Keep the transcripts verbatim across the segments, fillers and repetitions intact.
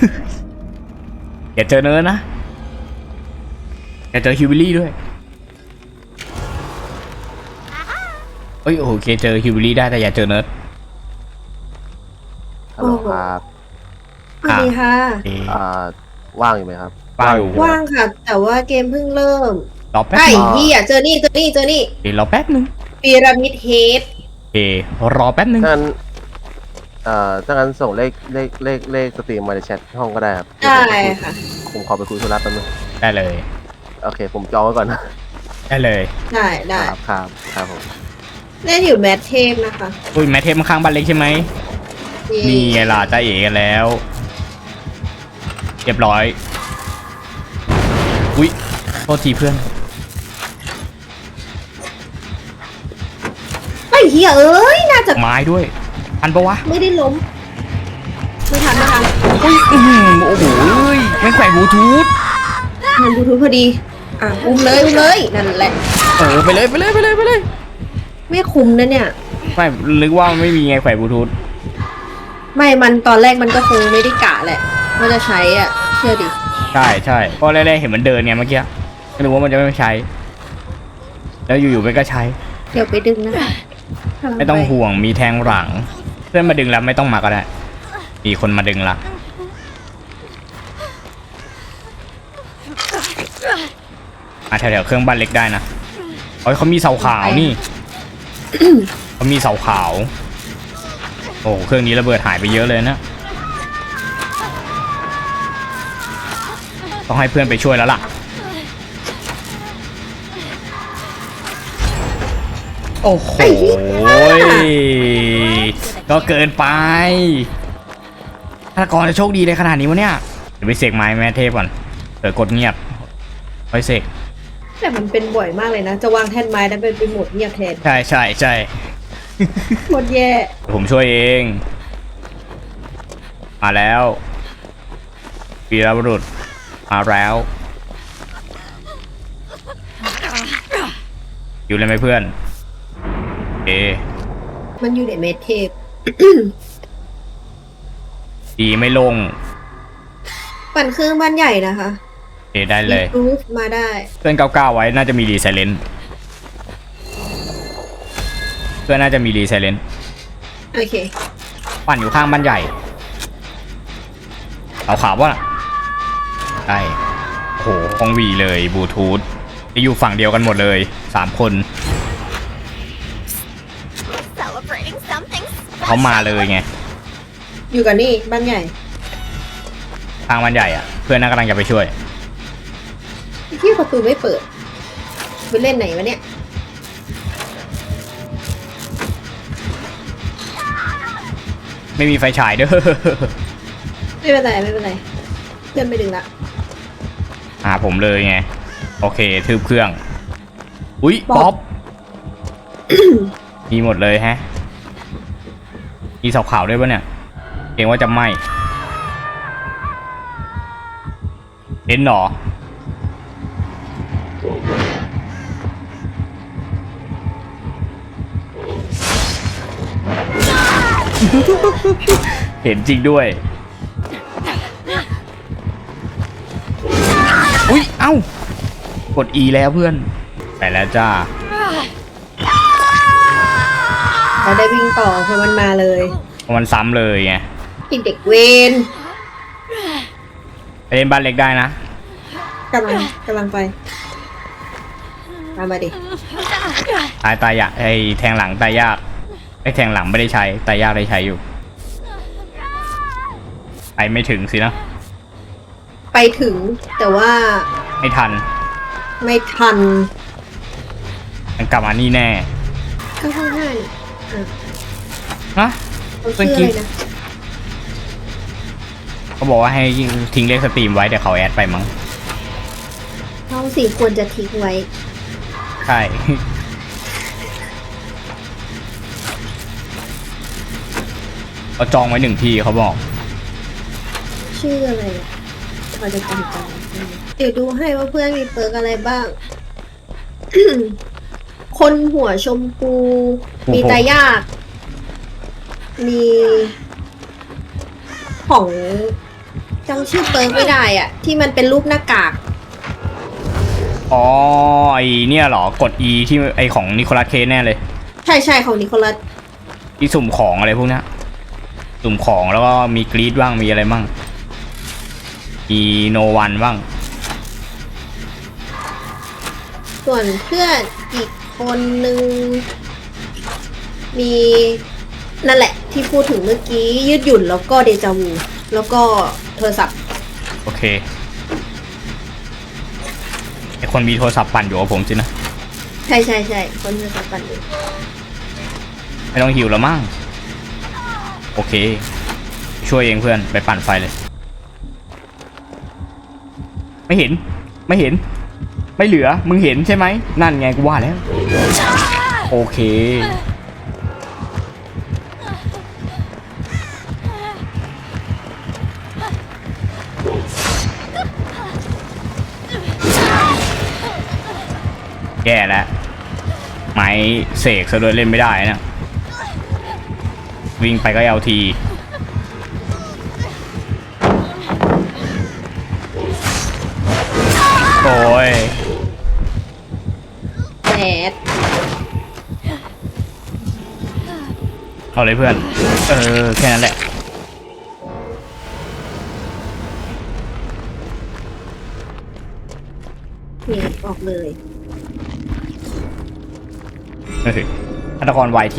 อย่าเจอเนิร์ดนะอย่าเจอฮิวบิลี่ด้วยเอ้ยโอเคเจอฮิวบิลี่ได้แต่อย่าเจอเนิร์ดฮัลโหลครับสวัสดีค่ะอ่าว่างอยู่ไหมครับว่างอยู่ว่างค่ะ แต่ว่าเกมเพิ่งเริ่มรอแป๊บไอ้นึงเหี้ยเจอนี่เจอนี่เจอนี่เดี๋ยวรอแป๊บนึงพีระมิดเฮดโอเครอแป๊บนึงถ้างั้นเอ่อถ้างั้นส่งเลขเลขเลขเลขสตรีมมาในแชทห้องก็ได้ครับได้ค่ะผมขอไปคุยธุระแป๊บนึงได้เลยโอเค ผมจองไว้ก่อนนะได้เลยได้ได้ครับครับครับผมเล่นอยู่แมทเทมนะคะอุ้ยแมทเทมข้างบ้านเล็กใช่ไหมนี่ไงล่ะจ้าเอ๋กันแล้วเรียบร้อยอุ้ยโทษทีเพื่อนไอ้เหี้ยเอ้ยน่าจะไม้ด้วยทันปะวะไม่ได้ล้มไม่ทันไม่ทันอุ้ยอื้อหือโอ้โหไม่แขวนบลูทูธมันบลูทูธพอดีอ่ะอุ้มเลยอุ้มเลยนั่นแหละเออไปเลยไปเลยไปเลยไปเลยไม่คุ้มนะเนี่ยไม่นึกว่าไม่มีไงแขวนบลูทูธไม่มันตอนแรกมันก็คงไม่ได้กะแหละว่าจะใช้อ่ะเชื่อดิใช่ใช่เพราะแรกๆเห็นมันเดินเนี่ยเมื่อกี้ก็นึกว่ามันจะไม่ใช้ แล้วอยู่ๆมันก็ใช้เดี๋ยวไปดึงนะไม่ต้องห่วงมีแทงหลัง เพื่อนมาดึงแล้วไม่ต้องมาก็ได้มีคนมาดึงละมาแถวๆเครื่องบ้านเล็กได้นะโอ้ยเขามีเสาขาวนี่ เขามีเสาขาวโอ้เครื่องนี้ระเบิดหายไปเยอะเลยนะต้องให้เพื่อนไปช่วยแล้วล่ะโอ้โหก็เกินไปถ้ากรจะโชคดีเลยขนาดนี้วะเนี่ยเดี๋ยวไปเสกไม้แม่เทพก่อนเดี๋ยวกดเงียบค่อยเสกแต่มันเป็นบ่อยมากเลยนะ จะวางแท่นไม้แล้วเป็นไปหมดเงียบแทนใช่ใช่ใช่โคตรแย่ผมช่วยเองมาแล้ววีรบุรุษมาแล้วอยู่เลยไหมเพื่อนเอมันอยู่ในเมทเทปดีไม่ลงปั่นเครื่องบ้านใหญ่นะคะเอได้เลยรูฟมาได้เพื่อนเก้าเก้าไว้น่าจะมีรีไซเลนเพื่อนน่าจะมีรีไซเลนโอเคปั่นอยู่ข้างบ้านใหญ่เอาขาวป่ะได้โหคงวีเลยบลูทูธจะอยู่ฝั่งเดียวกันหมดเลยสามคนเขามาเลยไงอยู่กับนี่บ้านใหญ่ทางบ้านใหญ่อ่ะเพื่อนน่ากำลังจะไปช่วยที่ประตูไม่เปิดไปเล่นไหนวะเนี่ยไม่มีไฟฉายเด้อไม่เป็นไรไม่เป็นไรเพื่อนไม่ดึงละหาผมเลยไงโอเคทืบเครื่องอุ๊ยป๊อปป๊อป มีหมดเลยแฮะมีเสาขาวด้วยปะเนี่ยเกรงว่าจะไหม้เห็นหรอเห็นจริงด้วยอุ๊ยเอ้ากด E แล้วเพื่อนไปแล้วจ้าเราได้วิ่งต่อเพราะมันมาเลยมันซ้ำเลยไงติดเด็กเวนไปเล่นบ้านเล็กได้นะกำลังกำลังไปตามมาดิตายตายยากไอ้แทงหลังตายยากไอ้แทงหลังไม่ได้ใช้ตายยากได้ใช้อยู่ไปไม่ถึงสินะไปถึงแต่ว่าไม่ทันไม่ทันมันกลับมานี่แน่ข้างข้างห้านี่อ่ะฮะเขาชื่ออะไรนะเขาบอกว่าให้ทิ้งเลขสตรีมไว้เดี๋ยวเขาแอดไปมั้งเขาสี่ควรจะทิ้งไว้ใช่ เขาจองไว้หนึ่งที่เขาบอกชื่ออะไรอ่ะเราจะจำจำเดี๋ยวดูให้ว่าเพื่อนมีเปิร์กอะไรบ้าง คนหัวชมพู มีตายาก มีของจำชื่อเปิร์กไม่ได้อ่ะ ที่มันเป็นรูปหน้ากากอ๋อไอเนี่ยเหรอกด E ที่ไอของนิโคลัสเคสแน่เลยใช่ใช่ของนิโคลัสที่สุ่มของอะไรพวกเนี้ยสุ่มของแล้วก็มีกรีดบ้างมีอะไรบ้างมีโนวันบ้างส่วนเพื่อนอีกคนนึงมีนั่นแหละที่พูดถึงเมื่อกี้ยืดหยุ่นแล้วก็เดจาวูแล้วก็โทรศัพท์โอเคไอคนมีโทรศัพท์ปั่นอยู่กับผมสินะใช่ใช่ใช่คนโทรศัพท์ปั่นอยู่ไม่ต้องหิวแล้วมั้งโอเคช่วยเองเพื่อนไปปั่นไฟเลยไม่เห็นไม่เห็นไม่เหลือมึงเห็นใช่ไหมนั่นไงกูว่าแล้วโอเคแย่แล้วไม้เสกซะด้วยเล่นไม่ได้นะวิ่งไปก็เอลทีโอ้ยแดดเอาเลยเพื่อนเออแค่นั้นแหละนี่ออกเลยเฮ้ยฆาตกรวายที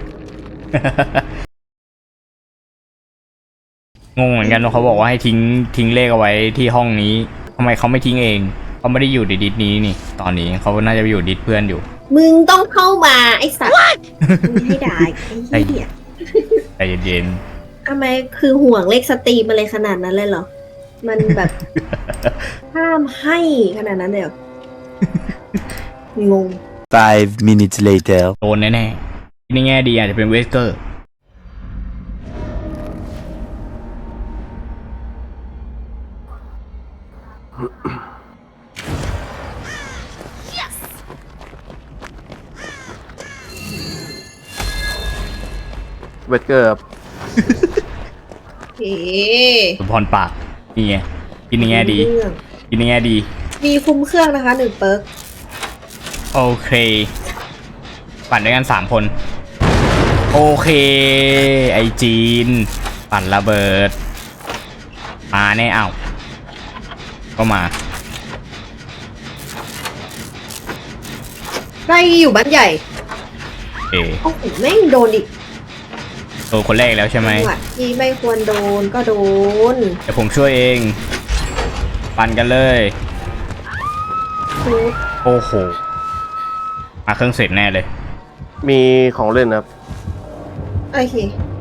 งงเหมือนกันเขาบอกว่าให้ทิ้งทิ้งเลขเอาไว้ที่ห้องนี้ทำไมเขาไม่ทิ้งเองเขาไม่ได้อยู่ในดิสนี้นี่ตอนนี้เขาน่าจะไปอยู่ดิสเพื่อนอยู่มึงต้องเข้ามาไอ้สัตว์มึงให้ได้ไอ้เหี้ยใจเย็นทำไมคือห่วงเลขสตรีมอะไรขนาดนั้นเลยเหรอ มันแบบ ห้ามให้ขนาดนั้นเลยเหรองง Five minutes later. ๆโดนแน่ๆในแง่ดีอาจจะเป็นเวสเกอร์เวทเกอร์ครับเอ๊สมพรปากนี่ไงกินในแง่ดีเรื่องกินในแง่ดีมีคุมเครื่องนะคะหนึ่งเปิร์กโอเคปั่นด้วยกันสามคนโอเคไอจีนปั่นระเบิดมาแน่เอ้าก็มาไล่อยู่บ้านใหญ่เอโอ้โหแม่งโดนอีกโดนคนแรกแล้วใช่ไหมจังหวะที่ไม่ควรโดนก็โดนเดี๋ยวผมช่วยเองปั่นกันเลยทุบโอ้โหมาเครื่องเสร็จแน่เลยมีของเล่นครับโอเค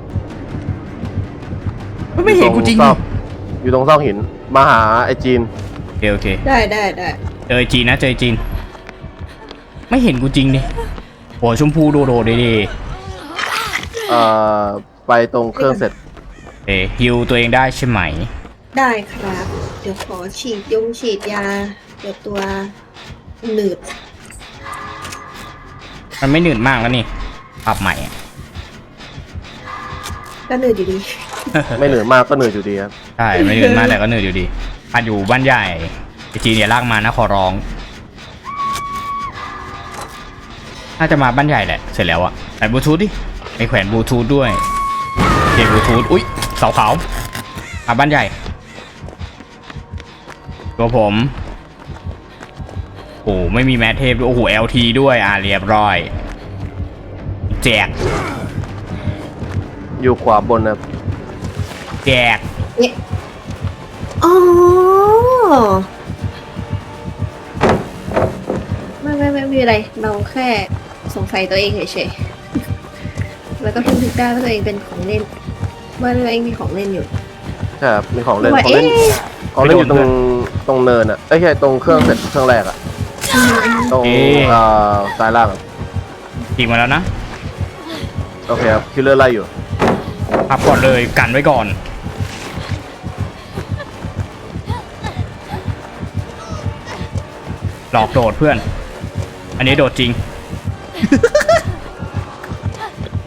ไม่เห็นกูจริงอยู่ตซอกอยู่ตรงซอกหินมาหาไอจีนโอเคโอเคได้ได้ได้เจอจีนนะเจอจีนไม่เห็นกูจริงดิหัวชมพูโดโดเดเดเอ่อไปตรงเครื่องเสร็จเอฮิวตัวเองได้ใช่ไหมได้ครับ เดี๋ยวขอฉีดยงฉีดยา เดี๋ยวตัวหนืดมันไม่หนืดมากแล้วนี่ปรับใหม่อะก็หนืดอยู่ดีไม่เหนื่อยมากก็เหนื่อยอยู่ดีครับใช่ไม่หนืดมากแต่ก็หนืดอยู่ดีปั่นอยู่บ้านใหญ่ไอจีนอย่าลากมานะขอร้องน่าจะมาบ้านใหญ่แหละเสร็จแล้วอะใส่บลูทูธดิไปแขวนบลูทูธด้วยเก็บบลูทูธอุ้ยเสาขาวมาบ้านใหญ่ตัวผมโอ้ไม่มีแมทเทปด้วยโอ้โห แอล ที ด้วยอ่ะเรียบร้อยแจกอยู่ขวาบนนะครับแจกเนี่ยอ๋อไม่ไม่ไม่มีอะไร เราแค่สงสัยตัวเองเฉยๆ แล้วก็เพิ่งนึกได้ว่าตัวเองเป็นของเล่น ว่าตัวเองมีของเล่นอยู่ใช่ครับมีของเล่นว่าของเล่นเอ๊ะของเล่นอยู่ตรงตรงเนินอ่ะเอ้ยใช่ตรงเครื่องเสร็จเครื่องแรกอ่ะตรงเอ่อซ้ายล่างอะจริงมาแล้วนะโอเคครับคิลเลอร์ไล่อยู่พับก่อนเลยกันไว้ก่อนหลอกโดดเพื่อน อันนี้โดดจริง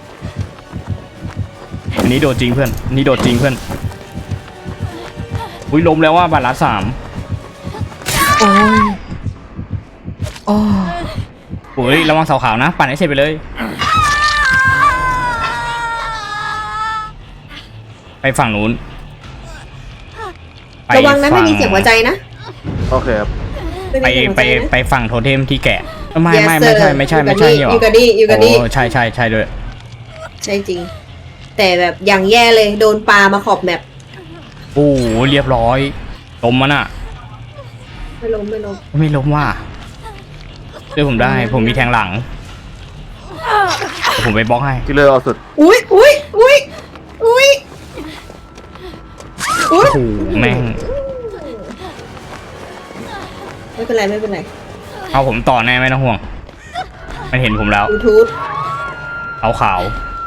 อันนี้โดดจริงเพื่อนอันนี้โดดจริงเพื่อนอุ้ยล้มแล้วว่าบาทละสามโอ้ยโอ้โอ้ยระวังเสาขาวนะปั่นให้เสร็จไปเลยไปฝั่งนู้นระวังนะไม่มีเสียงหัวใจนะโอเคครับไปม่มีเสียงหัวไปใจนะไปฝั่งโทเทมที่แกะไม่ Yes, ไม่ sir ไม่ใช่ไม่ใช่ไม่ใช่นี่หรออยู่กับนี่อยู่กับนี่โอ้ใช่ใช่ใช่ด้วยใช่จริง แต่แบบอย่างแย่เลยโดนปลามาขอบแมปโอ้โหเรียบร้อยล้มมันอ่ะไม่ล้มไม่ล้มไม่ล้มว่าช่วยผมได้ผมมีแทงหลังเดี๋ยวผมไปบล็อกให้ที่เลือกเอาสุดอุ้ยอุ้ยอุ้ยอุ้ยอุ้ยโอ้โหแม่งไม่เป็นไรไม่เป็นไรเอาผมต่อแน่ไม่ต้องห่วงมันเห็นผมแล้วยูทูบขาวขาว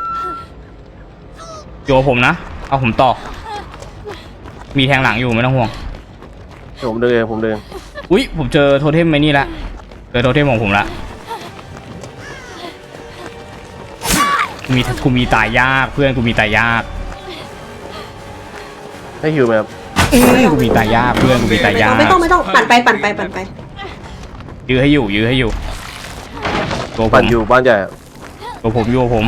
โยผมนะเอาผมต่อมีแทงหลังอยู่ไม่ต้องห่วงเดี๋ยวผมดึงเองผมดึงอุ้ยผมเจอโทเทมไอ้นี่ละเจอโทเทมของผมละมีกูมีตายยากเพื่อนกูมีตายยากให้ฮิวไหมครับอื้อกูมีตายยากเพื่อนกูมีตายยากไม่ต้องไม่ต้องปั่นไปปั่นไปปั่นไปยื้อให้อยู่ยื้อให้อยู่ตัวผปั่นมอยู่บ้านใหญ่อะตัวผมอยู่กับผม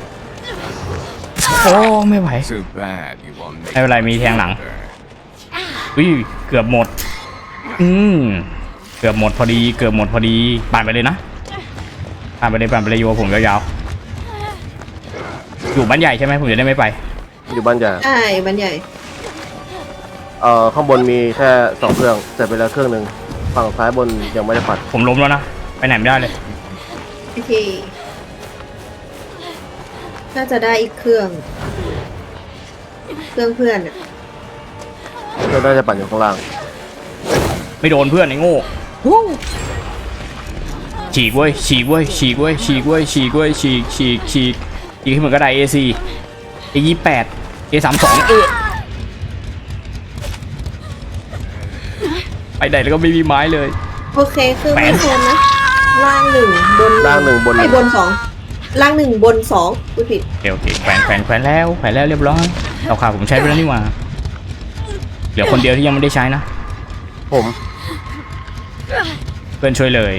โอ้ไม่ไหว Too bad you won't make ไม่เป็นไรมีแทงหลัง อุ้ยเกือบหมด อืมเกือบหมดพอดีเกือบหมดพอดีปั่นไปเลยนะปั่นไปเลยปั่นไปเลยโยผมยาวๆอยู่บ้านใหญ่ใช่ไหมผมจะได้ไม่ไปอยู่บ้านใหญ่ใช่บันใหญ่เอ่อข้างบนมีแค่สองเครื่องเสร็จไปแล้วเครื่องหนึ่งฝั่งซ้ายบนยังไม่ได้ปัดผมล้มแล้วนะไปไหนไม่ได้เลยโอเคน่าจะได้อีกเครื่อง เครื่องเพื่อนอะเครื่องน่าจะปั่นอยู่ข้างล่างไม่โดนเพื่อนไอ้โง่ฉีกเว้ยฉีกเว้ยฉีกเว้ยฉีกเว้ยฉีกเว้ยฉีกฉีกฉีกฉีกให้เหมือนกระไดเอซีเอยี่แปดเอสามสองเออไปไหนแล้วก็ไม่มีไม้เลยโอเคเครื่องแปไม่ดโซนนะล่างหนึ่งบนล่างหนึ่งบนหไอ้นึ่งบนสองล่างหนึ่งบนสองพูดผิดโอเคโอเคแขวนแขวนแขวนแล้วแขวนแล้วเรียบร้อยเราขาผมใช้ไปแล้วนี่หว่าเหลือคนเดียวที่ยังไม่ได้ใช้นะผมเพื่อนช่วยเลย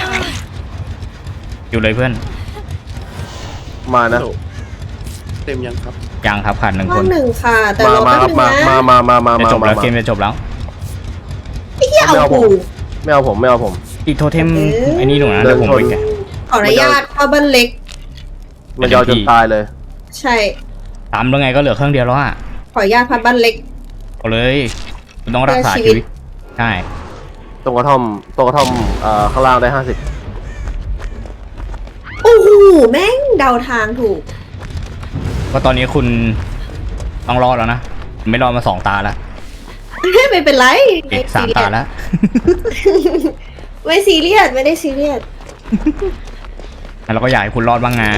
อยู่เลยเพื่อนมานะเต็มยังครับยังครับขาดหนึ่งคล่างนหนึ่งค่ะ แต่มารอมาแป๊บครับนึงมานะมามามามาจะมาจบมาแล้วมาเกมจะจบแล้วไอ้เหี้ยไม่เอาเอาผมกูไม่เอาผมไม่เอาผมอีกโทเทมเอ๊ะไอ้นี่หนูนะเดิเดี๋ยนวผมชนไปแกะขออนุญาตเข้าบ้านเล็กมันยาวจนตายเลยใช่ตามแล้วไงก็เหลือเครื่องเดียวแล้วอ่ะขออนุญาตพัดบ้านเล็กเอาเลยคุณต้องรักษาเพื่อชีชีวิวิตตใช่ตรงกระท่อมตรงกระท่อมเอ่อข้างล่างได้ห้าสิบโอ้โหแม่งเดาทางถูกก็ตอนนี้คุณต้องรอดแล้วนะไม่รอดมาสองตาแล้วไม่เป็นไรอีกสามตาแล้วไม่ซีเรียสไม่ได้ซีเรียสแล้วเราก็อยากให้คุณรอดบ้างไง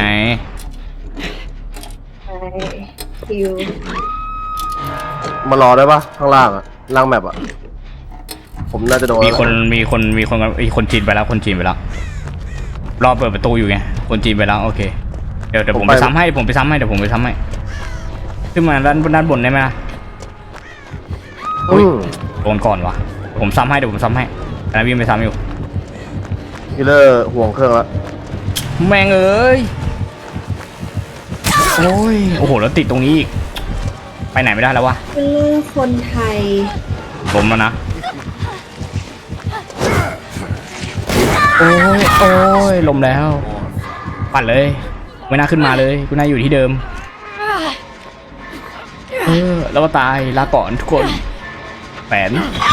ใช่คิวมารอได้ปะข้างล่างอะล่างแมปอะผมน่าจะโดนมีคนมีคนมีคนมีคนจีนไปแล้วคนจีนไปแล้วรอเปิดประตูอยู่ไงคนจีนไปแล้วโอเคเดี๋ยวเดี๋ยวผมไปซ้ำให้ผมไปซ้ำให้เดี๋ยวผมไปซ้ำให้ขึ้นมาด้านด้านบนได้ไหมล่ะอืมโดนก่อนวะผมซ้ำให้เดี๋ยวผมซ้ำให้อันนั้นวิ่งไปซ้ำอยู่คิลเลอร์ห่วงเครื่องละแม่งเอ้ยโอ้ยโอ้โหแล้วติดตรงนี้อีกไปไหนไม่ได้แล้ววะเป็นเรื่องคนไทยล้มแล้วนะโอ้ยโอ้ยล้มแล้วปั่นเลยไม่น่าขึ้นมาเลยกูน่าอยู่ที่เดิมเออแล้วก็ตายลาก่อนทุกคนแฝน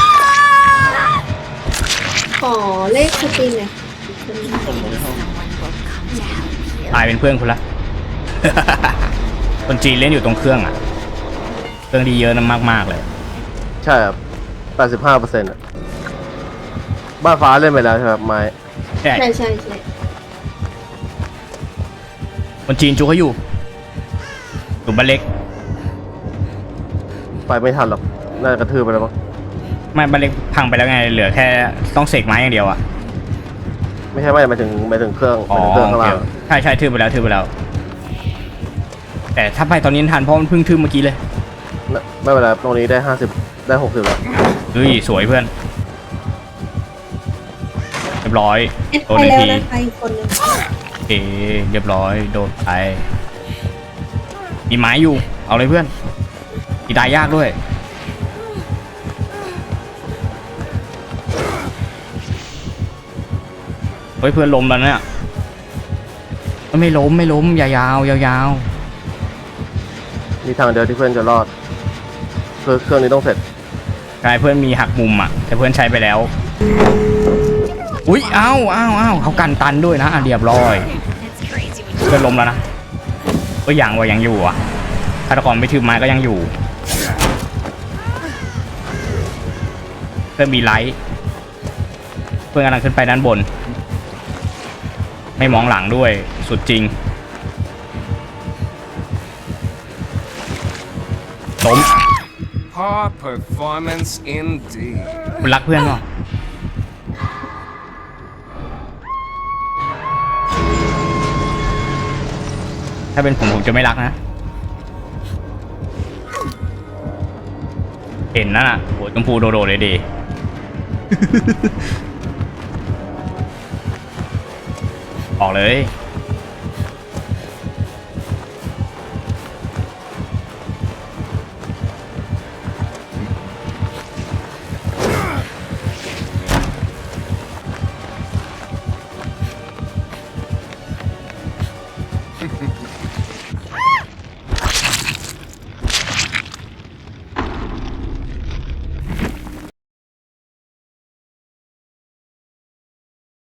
ขอเลขสตรีมหน่อยตายเป็นเพื่อนคุณละ คนจีนเล่นอยู่ตรงเครื่องอ่ะเครื่องดีเยอะนะมากๆเลยใช่ครับแปดสิบห้าเปอร์เซ็นต์อะบ้านฟ้าเล่นไปแล้วใช่ไหมครับไม้ใช่ใช่ใช่ใช่คนจีนจูเขาอยู่อยู่บ้านเล็กไปไม่ทันหรอกน่าจะกระทืบไปแล้วมั้งไม่บ้านเล็กพังไปแล้วไงเหลือแค่ต้องเสกไม้อย่างเดียวอ่ะไม่ใช่ไม่หมายถึงหมายถึงเครื่องหอ๋อมายถึงเครื่องข้างโอเคล่างใช่ใช่ทืบไปแล้วทืบไปแล้ว แต่ถ้าไปตอนนี้ทันเพราะมันเพิ่งทืบเมื่อกี้เลยน่าไม่เป็นไรตรงนี้ได้ห้าสิบได้หกสิบแล้วเฮ้ยสวยเพื่อนเรียบร้อยเอ็ดโดนไปในแล้วทีนะคะอีกคนนึงโอเคเรียบร้อยโดนไปมีไม้อยู่เอาเลยเพื่อนตีตายยากด้วยเฮ้ยเพื่อนล้มแล้วเนี่ยไม่ล้มไม่ล้มยาวๆยาวมีทางเดียวที่เพื่อนจะรอดคือเครื่องนี้ต้องเสร็จๆใช่เพื่อนมีหักมุมอ่ะแต่เพื่อนใช้ไปแล้วอุ๊ยอ้าวอ้าวอ้าวเขากันตันด้วยนะอ่ะเรียบร้อยเพื่อนล้มแล้วนะก็ยังว่ายังอยู่อ่ะฆาตกรไม่ถือไม้ก็ยังอยู่เพื่อนมีไลท์เพื่อนกำลังขึ้นไปด้านบนไม่มองหลังด้วยสุดจริงล้ม Poor performance indeed. คุณรักเพื่อนเปล่าถ้าเป็นผมผมจะไม่รักนะเห็นนั่นน่ะโหชมพูโดโดเลยดี ออกเลย